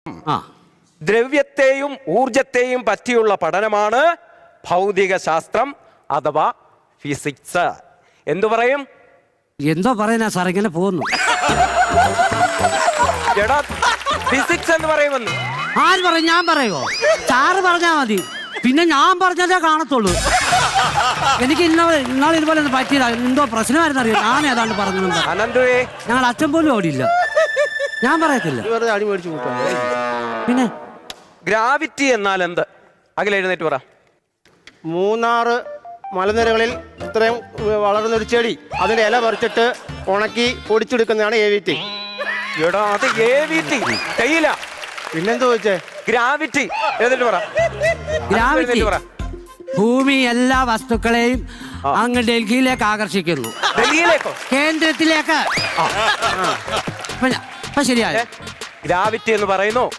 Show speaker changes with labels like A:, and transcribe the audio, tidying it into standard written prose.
A: ദ്രവ്യത്തെയും ഊർജത്തെയും പറ്റിയുള്ള പഠനമാണ് ഭൗതിക ശാസ്ത്രം അഥവാ ഫിസിക്സ്. എന്തു പറയും?
B: എന്തോ പറയുന്ന സാർ, ഇങ്ങനെ പോകുന്നു.
A: എടാ ഫിസിക്സ് എന്ന് പറയുമെന്ന്
B: ആര് പറയും? ഞാൻ പറയുമോ? സാറ് പറഞ്ഞാ മതി, പിന്നെ ഞാൻ പറഞ്ഞതേ കാണത്തുള്ളൂ. എനിക്ക് ഇന്നാൾ ഇതുപോലെ ഒന്ന് പറ്റിയതാ. എന്തോ പ്രശ്നമായിരുന്നു അറിയാം. ഞാൻ ഏതാണ്ട് പറഞ്ഞു.
A: അനന്തുവേ,
B: ഞങ്ങൾ അച്ഛൻ പോലും ഓടിയില്ല. ഞാൻ പറയത്തില്ല. പിന്നെ
A: ഗ്രാവിറ്റി എന്നാൽ എന്ത്? അഖിൽ എഴുന്നേറ്റ് പറ.
C: മൂന്നാറ് മലനിരകളിൽ ഇത്രയും വളർന്നൊരു ചെടി, അതിന്റെ ഇല പറിച്ചിട്ട് ഉണക്കി പൊടിച്ചെടുക്കുന്നതാണ് AVT.
A: എടാ അത് AVT തേയില.
C: പിന്നെന്താ ചോദിച്ചേ?
A: ഗ്രാവിറ്റി എഴുന്നേറ്റ് പറ.
B: ഗ്രാവിറ്റി ഭൂമി എല്ലാ വസ്തുക്കളെയും അങ്ങ് ഡൽഹിയിലേക്ക് ആകർഷിക്കുന്നു.
A: ഡൽഹിയിലേക്കോ?
B: കേന്ദ്രത്തിലേക്ക്. ശരിയായ
A: ഗ്രാവിറ്റി എന്ന് പറയുന്നു